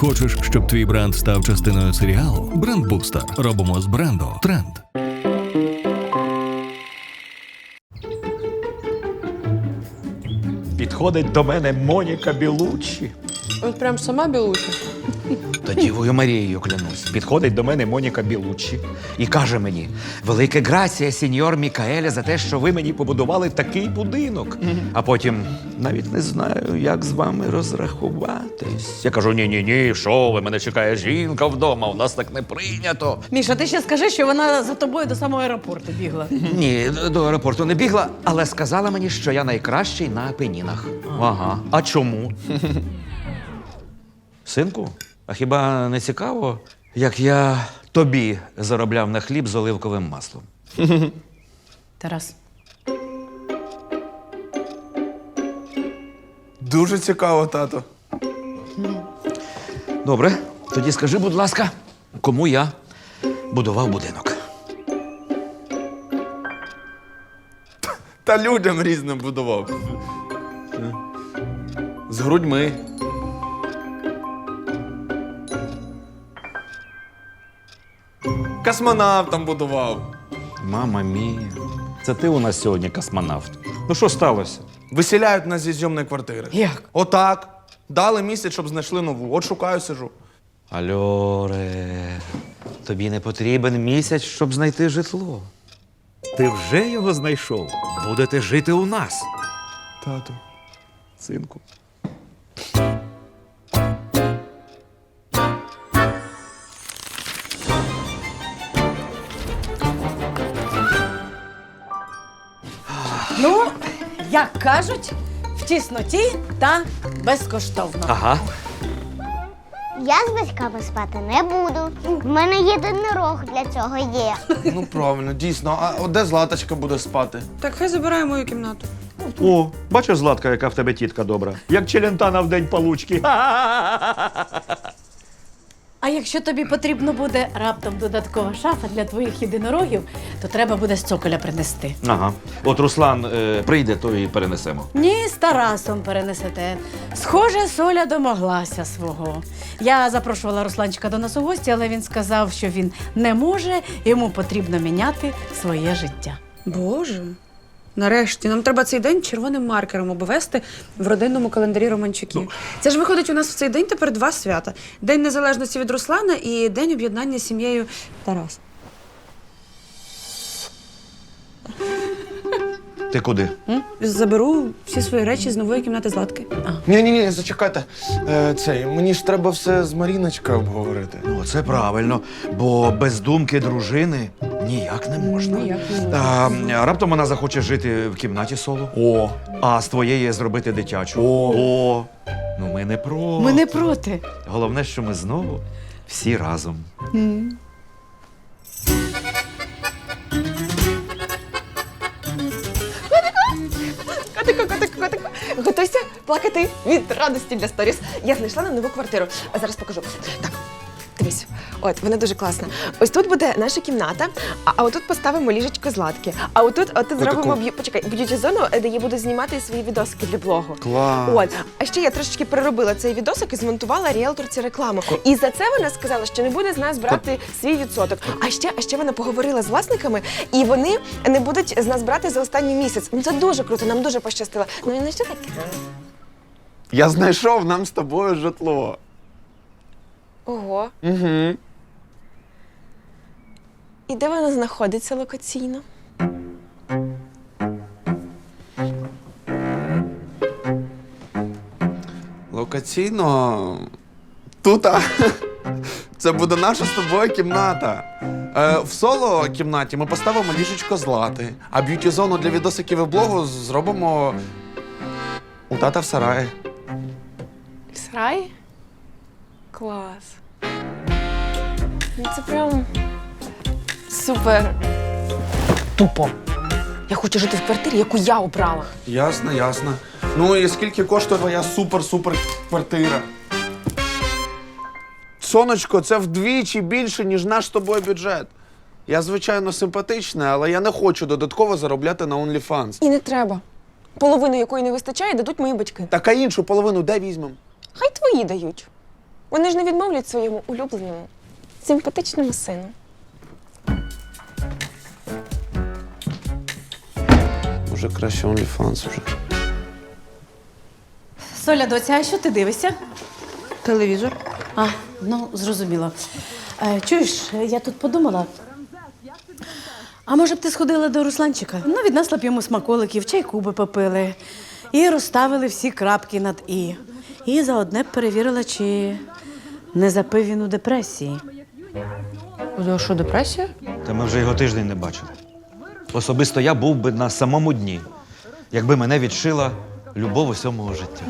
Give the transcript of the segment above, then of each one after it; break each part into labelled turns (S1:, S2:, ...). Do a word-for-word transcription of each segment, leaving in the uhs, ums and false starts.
S1: Хочеш, щоб твій бренд став частиною серіалу? Брендбустер. Робимо з бренду тренд.
S2: Підходить до мене Моніка Білуччі.
S3: От прям сама білуша.
S2: Та Дівою Марією клянусь. Підходить до мене Моніка Білуччі і каже мені: велике грація, сеньор Мікаеле, за те, що ви мені побудували такий будинок. А потім навіть не знаю, як з вами розрахуватись. Я кажу: ні-ні-ні, що ви, мене чекає жінка вдома, у нас так не прийнято.
S4: Міша, ти ще скажи, що вона за тобою до самого аеропорту бігла.
S2: Ні, до аеропорту не бігла, але сказала мені, що я найкращий на Апенінах. Ага. А чому? Синку, а хіба не цікаво, як я тобі заробляв на хліб з оливковим маслом?
S4: Тарас.
S5: Дуже цікаво, тато.
S2: Добре, тоді скажи, будь ласка, кому я будував будинок?
S5: Та людям різним будував. З грудьми. Космонавтам будував.
S2: Мама мія, це ти у нас сьогодні космонавт. Ну що сталося?
S5: Виселяють нас зі зйомної квартири.
S4: Як?
S5: Отак. Дали місяць, щоб знайшли нову. От шукаю, сижу.
S2: Альоре, тобі не потрібен місяць, щоб знайти житло. Ти вже його знайшов. Будете жити у нас.
S5: Тату.
S2: Синку.
S4: Ну, як кажуть, в тісноті та безкоштовно.
S2: Ага.
S6: Я з батьками спати не буду. В мене єдинорог для цього є.
S5: Ну, правильно, дійсно. А от де Златочка буде спати?
S3: Так хай забирає мою кімнату.
S2: О, бачиш, Златка, яка в тебе тітка добра. Як челентана в день получки.
S4: А якщо тобі потрібно буде раптом додаткова шафа для твоїх єдинорогів, то треба буде з цоколя принести.
S2: Ага. От Руслан е, прийде, то і перенесемо.
S4: Ні, з Тарасом перенесете. Схоже, Соля домоглася свого. Я запрошувала Русланчика до нас у гості, але він сказав, що він не може, йому потрібно міняти своє життя.
S3: Боже. Нарешті, нам треба цей день червоним маркером обвести в родинному календарі Романчуків. Це ж виходить у нас в цей день тепер два свята. День незалежності від Руслана і день об'єднання з сім'єю Тараса.
S2: Ти куди?
S3: М? Заберу всі свої речі з нової кімнати Златки.
S5: Ні-ні-ні, зачекайте. Е, цей, мені ж треба все з Маріночкою обговорити.
S2: Ну, це правильно, бо без думки дружини ніяк не можна.
S3: Ніяк не можна.
S2: А, раптом вона захоче жити в кімнаті соло,
S5: О,
S2: а з твоєї зробити дитячу.
S5: О.
S2: О. Ну ми не проти.
S4: Ми не проти.
S2: Головне, що ми знову всі разом.
S7: Котику, котику, котику. Готуйся плакати від радості для сторіс. Я знайшла нам нову квартиру. А зараз покажу. Так, дивись. От, вона дуже класна. Ось тут буде наша кімната, а, а отут поставимо ліжечко Златки. А отут, отут зробимо б'ю... Почекай, б'юті-зону, де я буду знімати свої відосики для блогу.
S5: клас.
S7: От, а ще я трошечки переробила цей відосик і змонтувала ріелторці рекламу. І за це вона сказала, що не буде з нас брати свій відсоток. А ще, а ще вона поговорила з власниками, і вони не будуть з нас брати за останній місяць. Ну це дуже круто, нам дуже пощастило. Ну і не що таке?
S5: Я знайшов нам з тобою житло.
S7: Ого.
S5: Угу.
S7: І де вона знаходиться локаційно?
S5: Локаційно. Тут. а. Це буде наша з тобою кімната. Е, в соло кімнаті ми поставимо ліжечко Злати, а б'юті-зону для відосиків і блогу зробимо у тата в сараї.
S7: В сараї? Клас. Ну це прям супер. Тупо. Я хочу жити в квартирі, яку я обрала.
S5: Ясно, ясно. Ну і скільки коштує твоя супер-супер квартира? Сонечко, це вдвічі більше, ніж наш з тобою бюджет. Я, звичайно, симпатична, але я не хочу додатково заробляти на OnlyFans.
S7: І не треба. Половину якої не вистачає, дадуть мої батьки.
S5: Так а іншу половину де візьмемо?
S7: Хай твої дають. Вони ж не відмовлять своєму улюбленому, симпатичному сину.
S5: Може, краще OnlyFans уже.
S4: Соля, доця, а що ти дивишся?
S3: Телевізор.
S4: А, ну, зрозуміло. Е, чуєш, я тут подумала. А може б ти сходила до Русланчика? Ну, віднесла б йому смаколиків, чайку би попили. І розставили всі крапки над «і». І заодне б перевірила, чи не запив він у депресії.
S3: У що, депресія?
S2: Та ми вже його тиждень не бачили. Особисто я був би на самому дні, якби мене відшила любов усього мого життя.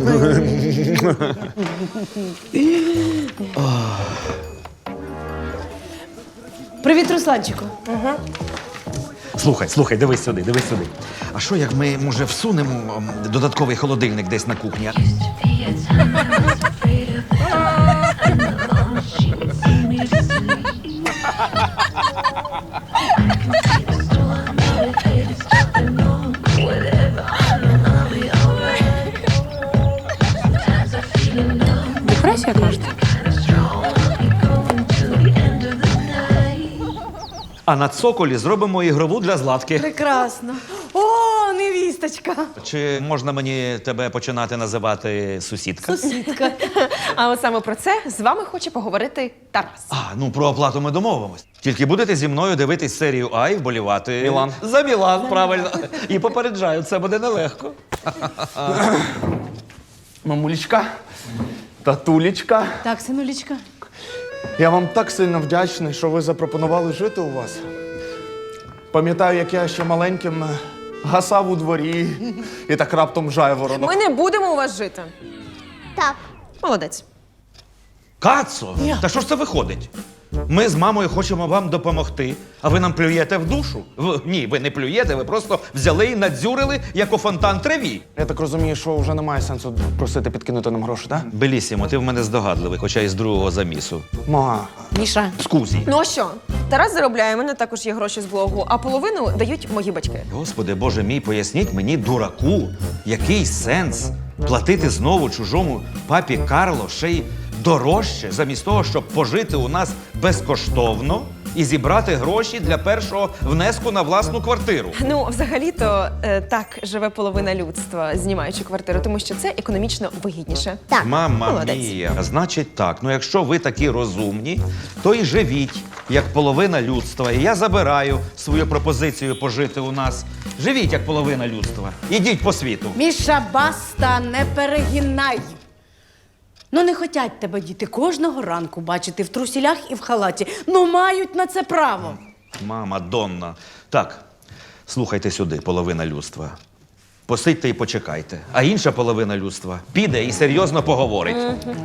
S4: Привіт, Русланчику.
S2: Слухай, слухай, дивись сюди, дивись сюди. А що, як ми, може, всунемо м, додатковий холодильник десь на кухні?
S3: Депресія, кажете?
S2: А на цоколі зробимо ігрову для Златки.
S4: Прекрасно. О, невісточка.
S2: Чи можна мені тебе починати називати сусідка?
S4: Сусідка.
S7: А от саме про це з вами хоче поговорити Тарас.
S2: А, ну про оплату ми домовимось. Тільки будете зі мною дивитись серію А і вболівати.
S5: Мілан.
S2: За Мілан, правильно. І попереджаю, це буде нелегко.
S5: Мамулечка, татулечка,
S4: Так, синулічка.
S5: я вам так сильно вдячний, що ви запропонували жити у вас. Пам'ятаю, як я ще маленьким е, гасав у дворі і так раптом жайворонок.
S7: Ми не будемо у вас жити.
S6: Так,
S7: Молодець.
S2: Кацо, та що ж це виходить? Ми з мамою хочемо вам допомогти, а ви нам плюєте в душу. В... Ні, ви не плюєте, ви просто взяли і надзюрили, як у фонтан треві.
S5: Я так розумію, що вже немає сенсу просити підкинути нам гроші, так?
S2: Белісімо, ти в мене здогадливий, хоча і з другого замісу.
S5: Ма,
S4: Міша.
S2: Скузі.
S7: Ну а що? Тарас заробляє, у мене також є гроші з блогу, а половину дають мої батьки.
S2: Господи, Боже мій, поясніть мені, дураку, який сенс платити знову чужому папі Карло ще й дорожче, замість того, щоб пожити у нас безкоштовно і зібрати гроші для першого внеску на власну квартиру.
S7: Ну, взагалі-то е, так живе половина людства, знімаючи квартиру, тому що це економічно вигідніше.
S6: так.
S2: Мама
S7: Молодець.
S2: мія. Значить так, ну якщо ви такі розумні, то і живіть, як половина людства. І я забираю свою пропозицію пожити у нас. Живіть, як половина людства. Ідіть по світу.
S4: Міша, баста, не перегинай. Ну, не хотять тебе діти кожного ранку бачити в трусілях і в халаті. Ну, мають на це право.
S2: Мама, Донна. Так, слухайте сюди, половина людства. Посидьте і почекайте. А інша половина людства піде і серйозно поговорить.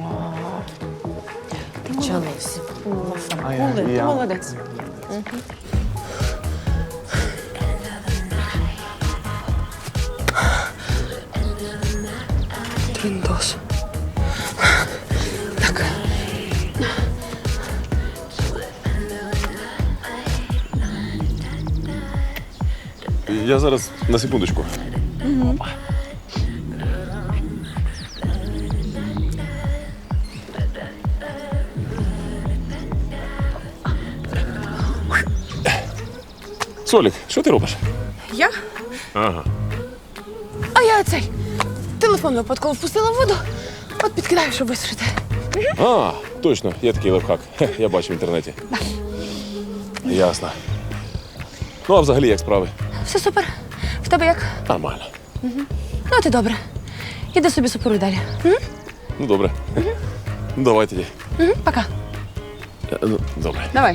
S4: Почалося.
S5: а я,
S7: Ти
S5: я.
S7: молодець.
S3: Тріндос.
S8: Я зараз на секундочку. Солік, що ти робиш?
S7: Я?
S8: Ага.
S7: А я цей телефон випадково впустила в воду, от підкидаю, щоб висушити.
S8: А, точно, є такий лайфхак. Хе, я бачив в інтернеті. Ясно. Ну, а взагалі як справи?
S7: Все супер. В тебе як?
S8: Нормально.
S7: Ну, ти добре. Іди собі суперуй далі. М?
S8: Ну, добре. Ну, давай тоді.
S7: Мгм, Пока.
S8: Е, ну, добре.
S3: Давай.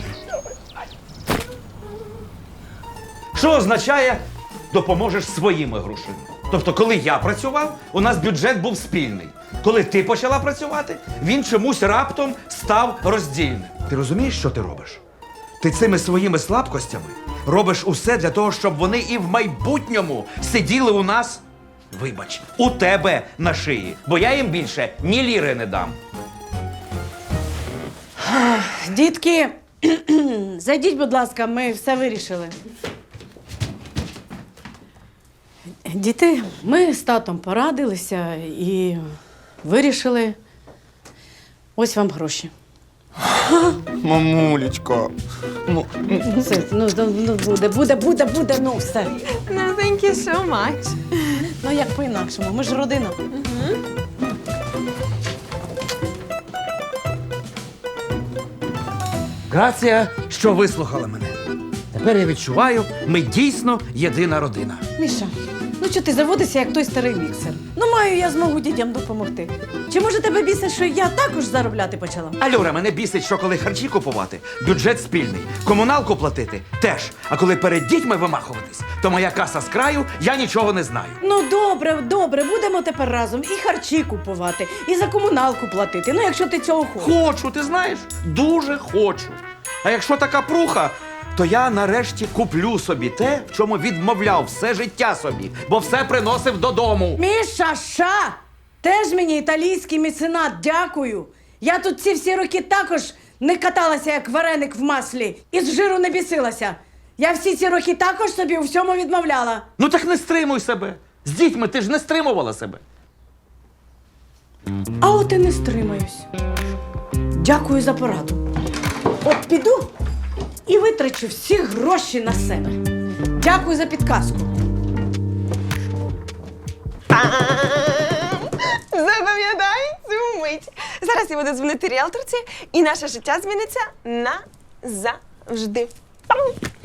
S2: Що означає допоможеш своїми грошима? Тобто, коли я працював, у нас бюджет був спільний. Коли ти почала працювати, він чомусь раптом став роздільним. Ти розумієш, що ти робиш? Ти цими своїми слабкостями робиш усе для того, щоб вони і в майбутньому сиділи у нас, вибач, у тебе на шиї. Бо я їм більше ні ліри не дам.
S4: Дітки, зайдіть, будь ласка, ми все вирішили. Діти, ми з татом порадилися і вирішили. Ось вам гроші.
S5: Мамулечко. Ну,
S4: Все, ну, ну, ну буде, буде, буде, буде, ну все.
S7: No, thank you so much.
S4: Ну як по-інакшому, ми ж родина.
S2: Грація, що вислухала мене. Тепер я відчуваю, ми дійсно єдина родина.
S4: Міша, ну чого ти заводишся, як той старий міксер? Ну маю я змогу дітям допомогти. Чи може тебе бісить, що я також заробляти почала?
S2: Алюра, мене бісить, що коли харчі купувати, бюджет спільний, комуналку платити теж. А коли перед дітьми вимахуватись, то моя каса з краю, я нічого не знаю.
S4: Ну добре, добре, будемо тепер разом і харчі купувати, і за комуналку платити. Ну, якщо ти цього хочеш.
S2: Хочу, ти знаєш? Дуже хочу. А якщо така пруха, то я нарешті куплю собі те, в чому відмовляв все життя собі, бо все приносив додому.
S4: Міша, ша! Теж мені італійський меценат, дякую. Я тут ці всі роки також не каталася, як вареник в маслі, і з жиру не бісилася. Я всі ці роки також собі у всьому відмовляла.
S2: Ну так не стримуй себе. З дітьми ти ж не стримувала себе.
S4: А от і не стримаюсь. Дякую за пораду. От піду і витрачу всі гроші на себе. Дякую за підказку.
S7: Запам'ятай цю мить. Зараз я буду дзвонити ріелторці, і наше життя зміниться назавжди. Пам!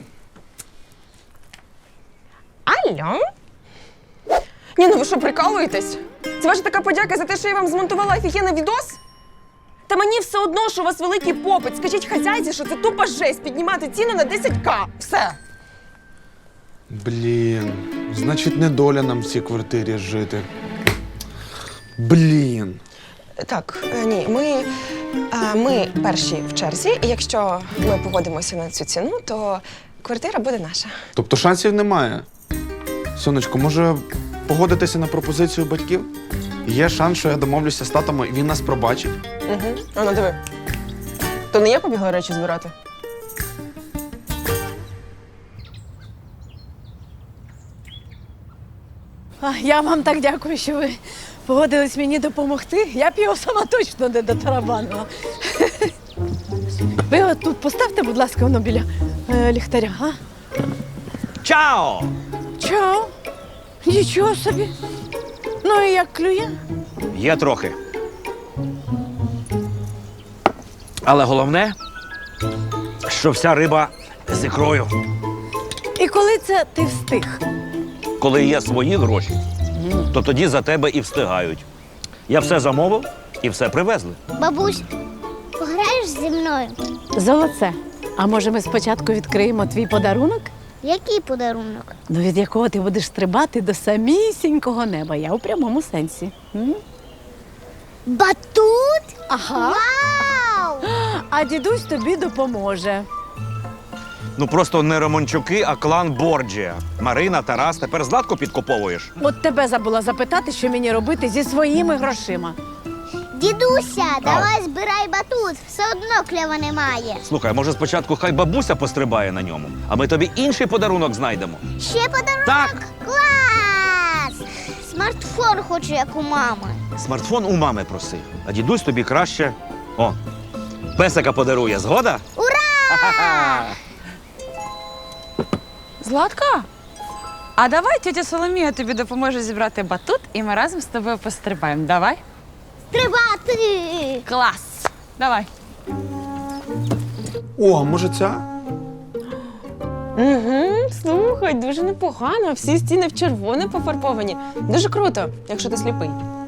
S7: Алло? Ні, ну ви що, прикалуєтесь? Це ваша така подяка за те, що я вам змонтувала офігенний відос? Та мені все одно, що у вас великий попит. Скажіть хазяйці, що це тупа жесть піднімати ціну на десять ка. Все.
S5: блін. Значить, не доля нам в цій квартирі жити. Блін.
S7: Так, е, ні, ми, е, ми перші в черзі, і якщо ми погодимося на цю ціну, то квартира буде наша.
S5: Тобто шансів немає. Сонечко, може погодитися на пропозицію батьків? Є шанс, що я домовлюся з татом, і він нас пробачить.
S7: Угу. А ну диви. То не я побігла речі збирати?
S4: А, я вам так дякую, що ви погодились мені допомогти. Я б його сама точно не дотарабанила. Ви от тут поставте, будь ласка, воно біля е, ліхтаря, а?
S2: Чао!
S4: Чао. Нічого собі. Ну і як клює?
S2: Є трохи. Але головне, що вся риба з ікрою.
S4: І коли це ти встиг?
S2: Коли є свої гроші, то тоді за тебе і встигають. Я все замовив і все привезли.
S6: Бабусь, пограєш зі мною?
S4: Золоце. А може ми спочатку відкриємо твій подарунок?
S6: Який подарунок?
S4: Ну, від якого ти будеш стрибати до самісінького неба. Я у прямому сенсі. М?
S6: Батут?
S4: Ага.
S6: Вау!
S4: А дідусь тобі допоможе.
S2: Ну просто не Романчуки, а клан Борджія. Марина, Тарас, тепер Златку підкуповуєш.
S4: От тебе забула запитати, що мені робити зі своїми грошима.
S6: Дідуся, давай збирай батут. Все одно кльова немає.
S2: Слухай, а може спочатку хай бабуся пострибає на ньому, а ми тобі інший подарунок знайдемо.
S6: Ще подарунок?
S2: Так.
S6: Клас! Смартфон хочу, як у мами.
S2: Смартфон у мами проси, а дідусь тобі краще. О, песика подарує, згода?
S6: Ура!
S9: Златка, а давай тетя Соломія тобі допоможе зібрати батут, і ми разом з тобою пострибаємо. Давай?
S6: Тривати!
S9: Клас! Давай.
S5: О, а може ця?
S7: Угу, слухай, дуже непогано. Всі стіни в червоне пофарбовані. Дуже круто, якщо ти сліпий.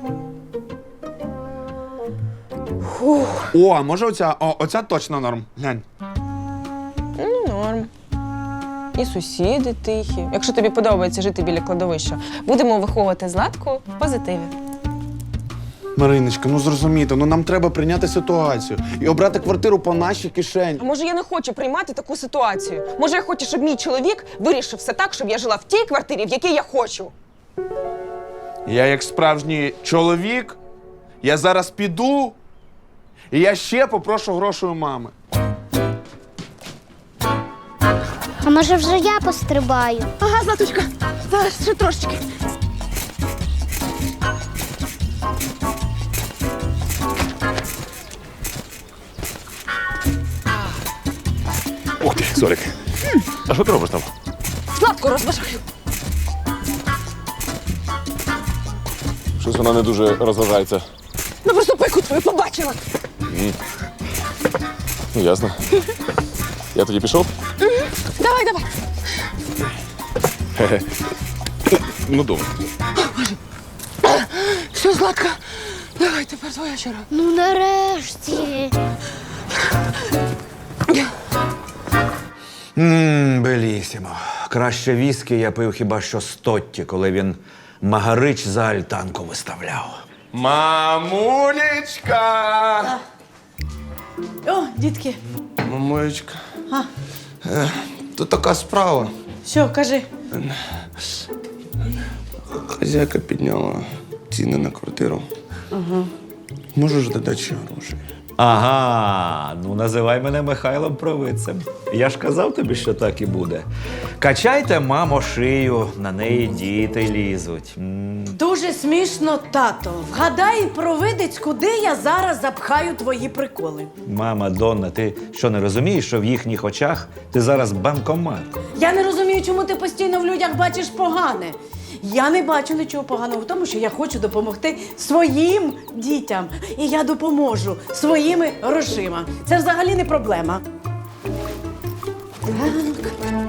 S5: О, а може оця? О, оця точно норм. Глянь.
S7: Ну, норм. І сусіди тихі. Якщо тобі подобається жити біля кладовища, будемо виховувати Златку в позитиві.
S5: Мариночка, ну зрозумійте, ну нам треба прийняти ситуацію і обрати квартиру по нашій кишені.
S7: А може я не хочу приймати таку ситуацію? Може я хочу, щоб мій чоловік вирішив все так, щоб я жила в тій квартирі, в якій я хочу?
S5: Я як справжній чоловік, я зараз піду, і я ще попрошу грошей у мами.
S6: А може вже я пострибаю?
S4: Ага, Златочка, зараз ще трошечки.
S8: Солік, а що ти робиш там?
S7: Златку розважаю.
S8: Щось вона не дуже розважається.
S7: Ну просто пику твою побачила.
S8: Ну, ясно. Я тоді пішов?
S7: Давай, давай.
S8: Хе-хе. Ну, добре.
S7: Все, Златка, давай, тепер твоя черга.
S6: Ну нарешті.
S2: Ммм, белісімо. Краще віскі я пив хіба що з Тотті, коли він Магарич за альтанку виставляв.
S5: Мамулечка!
S4: О, дітки,
S5: Мамулечка.
S4: А?
S5: Е, тут така справа.
S4: що, кажи.
S5: Хазяйка підняла ціни на квартиру. Ага. Можеш додати ще грошей?
S2: Ага, ну називай мене Михайлом Провидцем. Я ж казав тобі, що так і буде. Качайте, мамо, шию, на неї діти лізуть. М.
S4: Дуже смішно, тато. Вгадай, провидець, куди я зараз запхаю твої приколи.
S2: Мама, Донна, ти що, не розумієш, що в їхніх очах ти зараз банкомат?
S4: Я не розумію, чому ти постійно в людях бачиш погане. Я не бачу нічого поганого в тому, що я хочу допомогти своїм дітям. І я допоможу своїми грошима. Це взагалі не проблема. Так.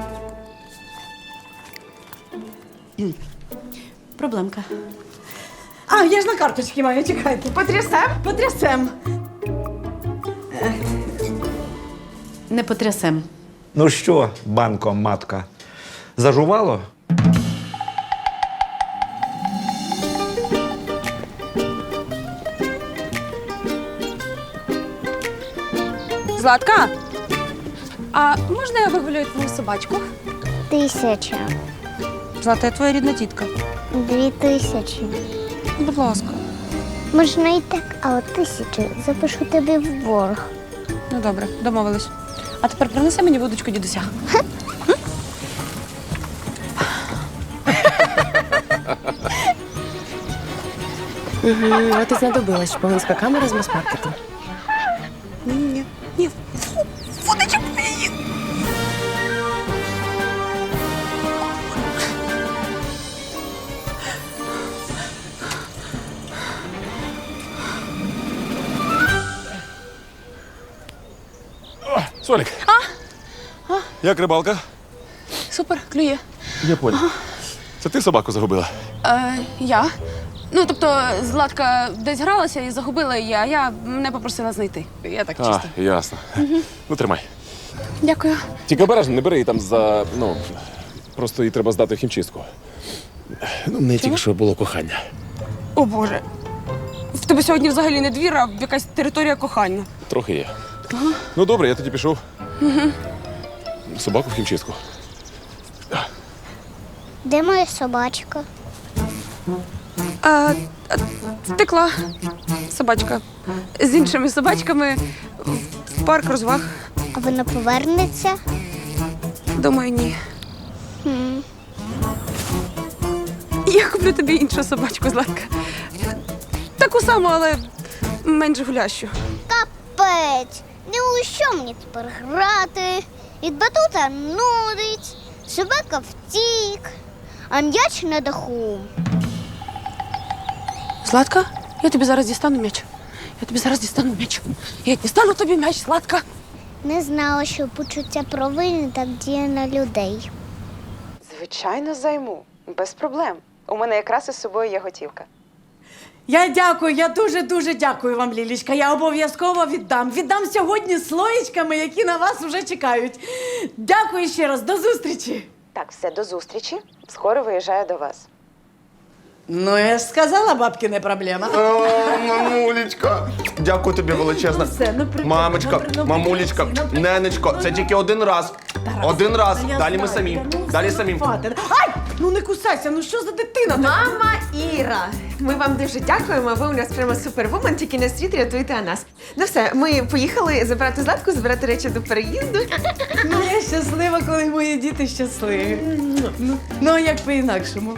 S4: Проблемка. А, я ж на карточці маю, чекайте.
S7: Потрясем?
S4: Потрясем. Е, Не потрясем.
S2: Ну що, банкоматка, зажувало?
S9: Златка, а можна я вигулюю твою собачку?
S6: Тисяча.
S9: Злата, я твоя рідна тітка.
S6: Дві тисячі.
S9: Будь ласка.
S6: Можна і так, а от тисячу запишу тобі в борг.
S9: Ну добре, домовились. А тепер принеси мені водочку дідуся.
S7: От і знадобилась шпигунська камера з мас-маркету.
S9: Ні, ні. Водичку її.
S8: Солік. А? Як рибалка?
S9: Супер, клює.
S8: Я понял. Це ти собаку загубила?
S9: Е, я. Ну, тобто, Златка десь гралася і загубила її, а я мене попросила знайти. Я так чисто.
S8: А, ясно. Ну, тримай.
S9: Дякую.
S8: Тільки обережно, не бери її там за. Ну, просто їй треба здати в хімчистку. Ну, не тільки що було кохання.
S9: О Боже. В тебе сьогодні взагалі не двір, а якась територія кохання.
S8: Трохи є. Ну, добре, я тоді пішов. Собаку в хімчистку.
S6: Де моя собачка?
S9: А, а, втекла собачка. З іншими собачками в парк розваг.
S6: А вона повернеться?
S9: Думаю, ні.
S6: Хм.
S9: Я куплю тобі іншу собачку, Златка. Таку саму, але менш гулящу.
S6: Капець! Не у що мені тепер грати? Від батута нудить, собака втік, а м'яч на даху.
S9: Златка, я тобі зараз дістану м'яч. Я тобі зараз дістану м'яч. Я дістану тобі м'яч, Златка.
S6: Не знала, що почуття провини так діє на людей.
S7: Звичайно, займу. Без проблем. У мене якраз із собою є готівка.
S4: Я дякую, я дуже-дуже дякую вам, Лілічка. Я обов'язково віддам. Віддам сьогодні слоєчками, які на вас вже чекають. Дякую ще раз, до зустрічі.
S7: Так, все, до зустрічі. Скоро виїжджаю до вас.
S4: Ну, я ж сказала, бабки не проблема.
S5: О, мамулечка! Дякую тобі величезно.
S4: Ну, все, ну, приходь,
S5: Мамочка,
S4: ну, при- ну,
S5: мамулечка,
S4: приходь, ну,
S5: ненечко,
S4: ну,
S5: це
S4: ну.
S5: тільки один раз.
S4: Тарас,
S5: Один раз.
S4: та я
S5: Далі ми
S4: знаю,
S5: самі.
S4: та ну,
S5: Далі
S4: все,
S5: самі.
S4: хватить. Ай! Ну не кусайся, ну що за дитина?
S7: Мама Іра, ми вам дуже дякуємо. Ви у нас прямо супервумен, тільки на світ рятуєте нас. Ну все, ми поїхали забирати Златку, забирати речі до переїзду.
S4: Ну, я щаслива, коли мої діти щасливі. Ну, ну а як по-інакшому?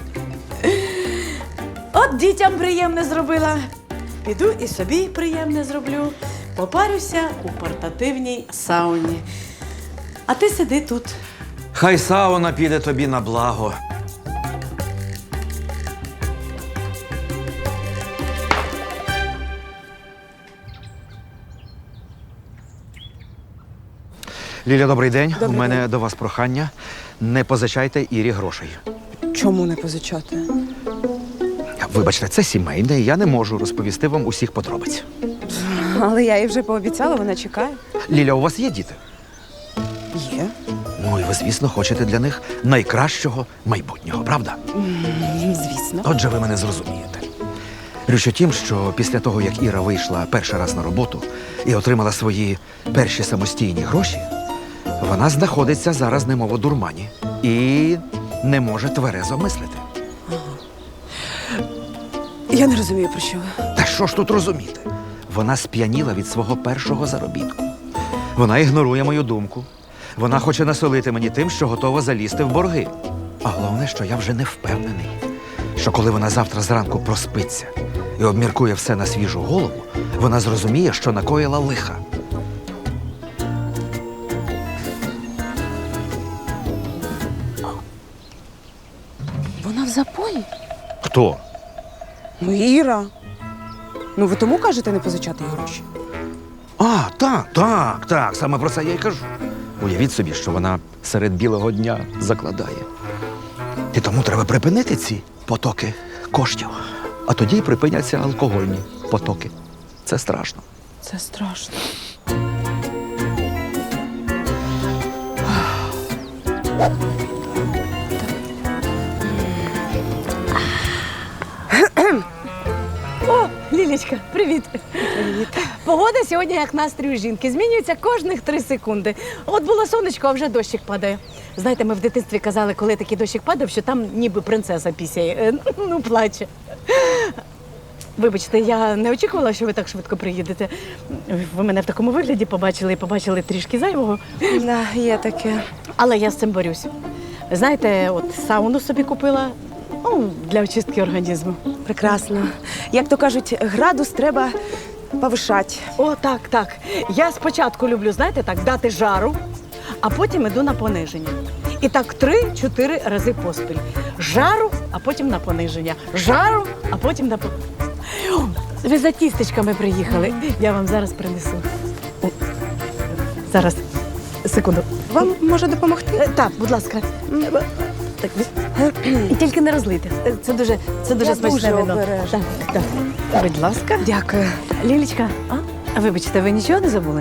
S4: От дітям приємне зробила. Піду і собі приємне зроблю. Попарюся у портативній сауні. А ти сиди тут.
S2: Хай сауна піде тобі на благо. Ліля, добрий день. У мене до вас прохання. Не позичайте Ірі грошей.
S7: Чому не позичати?
S2: Вибачте, це сімейне, і я не можу розповісти вам усіх подробиць.
S7: Але я їй вже пообіцяла, вона чекає.
S2: Ліля, у вас є діти?
S7: Є.
S2: Ну і ви, звісно, хочете для них найкращого майбутнього, правда?
S7: Звісно.
S2: Отже, ви мене зрозумієте. Річ у тім, що після того, як Іра вийшла перший раз на роботу і отримала свої перші самостійні гроші, вона знаходиться зараз немов у дурмані і не може тверезо мислити.
S7: Я не розумію, про що ви.
S2: Та що ж тут розуміти? Вона сп'яніла від свого першого заробітку. Вона ігнорує мою думку. Вона хоче насолити мені тим, що готова залізти в борги. А головне, що я вже не впевнений, що коли вона завтра зранку проспиться і обміркує все на свіжу голову, вона зрозуміє, що накоїла лиха.
S7: Вона в запої?
S2: Хто?
S7: Ну, Іра. Ну, ви тому кажете не позичати їй гроші?
S2: А, так, так, так, саме про це я й кажу. Уявіть собі, що вона серед білого дня закладає. І тому треба припинити ці потоки коштів. А тоді й припиняться алкогольні потоки. Це страшно.
S7: Це страшно.
S4: О, Лілічка, привіт. Привіт. Погода сьогодні як настрій у жінки. Змінюється кожних три секунди. От було сонечко, а вже дощик падає. Знаєте, ми в дитинстві казали, коли такий дощик падав, що там ніби принцеса пісяє. Е, Ну, плаче. Вибачте, я не очікувала, що ви так швидко приїдете. Ви мене в такому вигляді побачили і побачили трішки зайвого.
S7: Да, є таке.
S4: Але я з цим борюсь. Знаєте, от сауну собі купила, ну, для очистки організму.
S7: Прекрасно. Як то кажуть, градус треба повишати.
S4: О, так, так. Я спочатку люблю, знаєте, так, дати жару, а потім іду на пониження. І так три-чотири рази поспіль. Жару, а потім на пониження. Жару, а потім на пониження. Ви за тістечками приїхали. Я вам зараз принесу. О, зараз, секунду.
S7: Вам може допомогти?
S4: Е, Так, будь ласка. Так, і тільки не розлийте. Е, Це дуже, це дуже
S7: Я
S4: смачне
S7: дуже
S4: вино.
S7: обережна.
S4: Так, так. Будь ласка.
S7: Дякую.
S4: Лілічка, а? А вибачте, ви нічого не забули?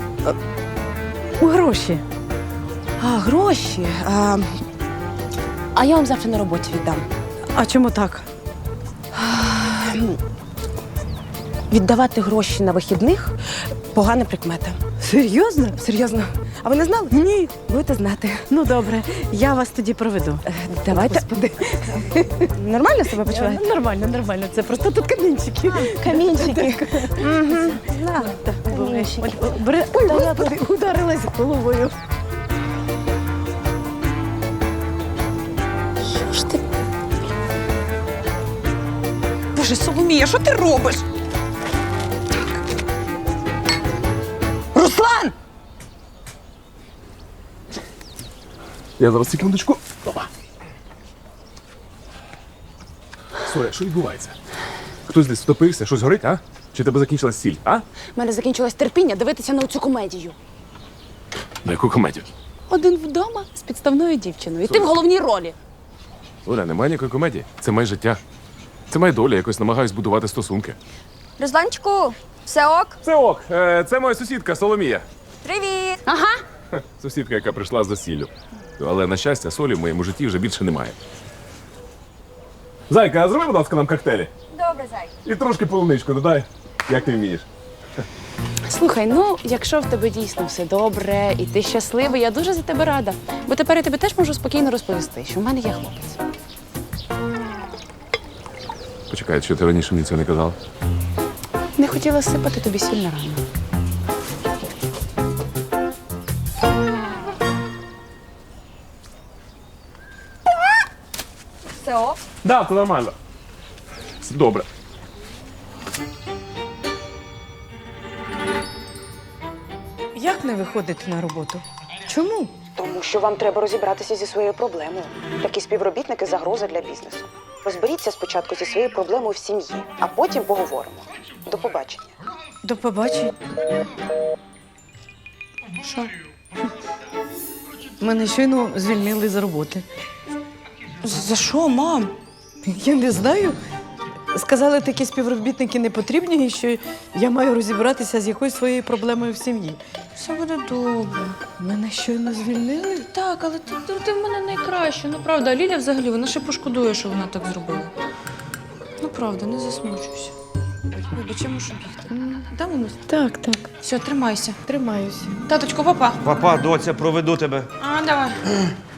S4: У гроші.
S7: А, гроші. А, а я вам завтра на роботі віддам.
S4: А чому так?
S7: Віддавати гроші на вихідних погана прикмета.
S4: Серйозно?
S7: Серйозно. А ви не знали?
S4: Ні.
S7: Будете знати.
S4: Ну добре, я вас тоді проведу.
S7: Давайте.
S4: Господи.
S7: Нормально себе почуваєте?
S4: Нормально, нормально. Це просто тут камінчики.
S7: Камінчики. Угу.
S4: Так, буває. Ой, бери- Ой, господи, ударилась головою.
S7: Що ж ти?
S10: Боже, Соломія, що ти робиш? Руслан!
S8: Я зараз секундочку. Опа. Соля, що відбувається? Хтось десь втопився, щось горить, а? Чи тебе закінчилась сіль, а?
S7: У мене закінчилось терпіння дивитися на цю комедію.
S8: На яку комедію?
S7: Один вдома з підставною дівчиною. І ти в головній ролі.
S8: Оля, немає ніякої комедії. Це моє життя. Це моя доля, якось намагаюсь будувати стосунки.
S6: Русланчику, все ок?
S8: Це ок, е, це моя сусідка Соломія.
S6: Привіт!
S8: Хе, Сусідка, яка прийшла з засіллю. Але, на щастя, солі в моєму житті вже більше немає. Зайка, а зроби, будь ласка, нам коктейлі.
S6: Добре, зай.
S8: І трошки полуничку додай, як ти вмієш.
S11: Слухай, ну якщо в тебе дійсно все добре і ти щасливий, я дуже за тебе рада. Бо тепер я тобі теж можу спокійно розповісти, що в мене є хлопець.
S8: Почекай, що ти раніше мені цього не казала?
S11: Не хотіла сипати тобі сіль на рану.
S6: Все ок?
S8: Да, це нормально. Все добре.
S4: Як не виходити на роботу? Чому?
S10: Тому що вам треба розібратися зі своєю проблемою. Такі співробітники – загроза для бізнесу. Розберіться спочатку зі своєю проблемою в сім'ї, а потім поговоримо. До побачення.
S4: До побачення.
S3: Що?
S4: Мене щойно звільнили з роботи.
S3: За що, мам?
S4: Я не знаю. Сказали, такі співробітники не потрібні, і що я маю розібратися з якоюсь своєю проблемою в сім'ї.
S3: Все буде добре.
S4: Мене щойно звільнили?
S3: Так, але ти, ти, ти в мене найкраща. Ну правда, а Ліля взагалі, вона ще пошкодує, що вона так зробила. Ну правда, не засмучуйся. Вибач, я мушу бігти. Да, мамусь?
S4: Так, так.
S3: Все, тримайся.
S4: Тримаюся.
S3: Таточко, папа.
S2: Папа, доця, проведу тебе.
S3: А, давай.